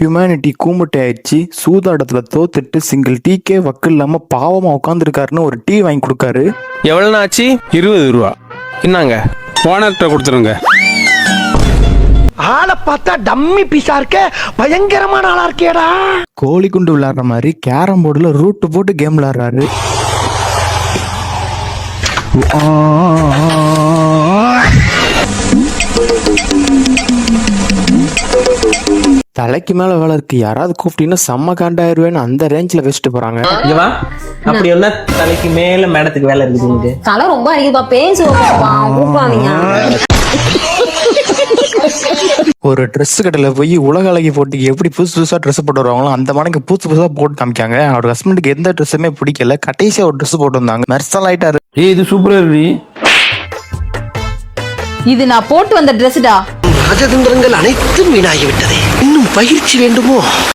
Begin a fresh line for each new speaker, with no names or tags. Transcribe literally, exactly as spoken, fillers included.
Humanity கூமுட்டை ஆயிடுச்சு, சூதாட்டத்துல தோத்துட்டு single டீக்கே வக்கு இல்லாம பாவமா உட்காந்துருக்காருன்னு ஒரு டீ வாங்கி கொடுக்காரு.
எவ்வளவு ஆச்சு?
இருபது ரூபா.
என்னங்க
ஓனர்கிட்ட கொடுத்துருங்க.
ஆளை பார்த்தா டம்மி பீஸா இருக்க, பயங்கரமான ஆளா இருக்கேடா.
கோழி குண்டு விளையாடுற மாதிரி கேரம் போர்டுல ரூட்டு போட்டு கேம் விளையாடுறாரு. தலைக்கு மேல வேலை இருக்கு, யாராவது கூப்பிட்டீங்கன்னா செம்ம காண்டாயிருவேன்னு அந்த ரேஞ்சில வச்சுட்டு போறாங்க.
இவா அப்படி ஒன்னா தலைக்கு மேல மேடத்துக்கு வேலை இருக்குது.
தலை ரொம்ப அடிக்குதுப்பா, பேசுவாப்பா கூப்பிடாதீங்க.
ஒரு ட்ரெஸ் கடையில போய் உலக அழகி போட்டிக்கு எப்படி புதுசு புதுசா ட்ரெஸ் போட்டு வருவாங்களோ அந்த மாதிரி புதுசு புதுசா போட்டு காமிக்காங்க. அவர் ஹஸ்பண்டுக்கு எந்த ட்ரெஸ்ஸுமே பிடிக்கல, கடைசியா ஒரு ட்ரெஸ் போட்டு வந்தாங்க. மெர்சல் ஆயிட்டாரு.
ஏய் இது சூப்பரா இருக்கு.
இது நான் போட்டு வந்த ட்ரெஸ்டா.
ராஜதந்திரங்கள் அனைத்தும் வீணாகிவிட்டது. இன்னும் பயிற்சி வேண்டுமோ?